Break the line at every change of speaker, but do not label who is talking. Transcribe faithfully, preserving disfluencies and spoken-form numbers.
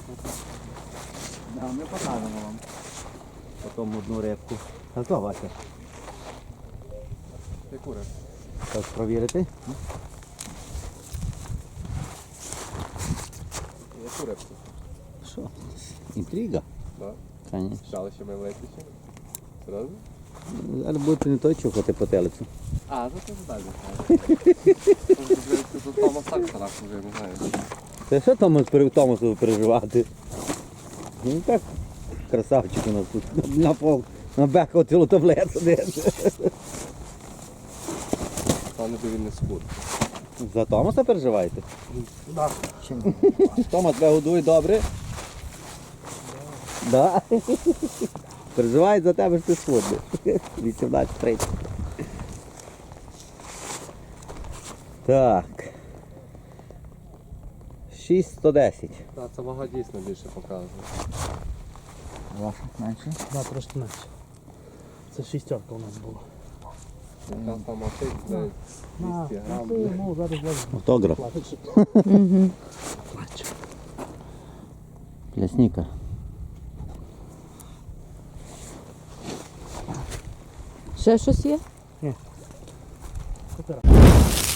Да, ми покажемо вам. Потім одну рибку. А то, Вася?
Яку рибку?
Так, провірити?
Яку рибку?
Що? Інтрига?
Так.
Конечно.
Шалище ми витичемо. Серйозно?
Зараз будете не той чухати по телецю.
А, ну це далі. Тут Томас так страшно вже, не знаю.
Це що Томас, пере- Томасу переживати? Він так красавчик у нас тут. На пол, на беку цілу таблету держить.
Пане би він не схуд.
За Томаса переживаєте?
Так.
Томас тебе годує добре? Да. Переживає за тебе, що ти схудний. вісімнадцять тридцять. Так. шість сто десять.
Так, це вага дійсно більше показує.
Ваша менше?
Да, трошки менше. Це шістерка у нас була.
Якраз там мотик, де двісті грам.
Ну, зараз влазить.
Автограф.
Угу.
Плачу.
Плясника.
Ще щось є?
Супер.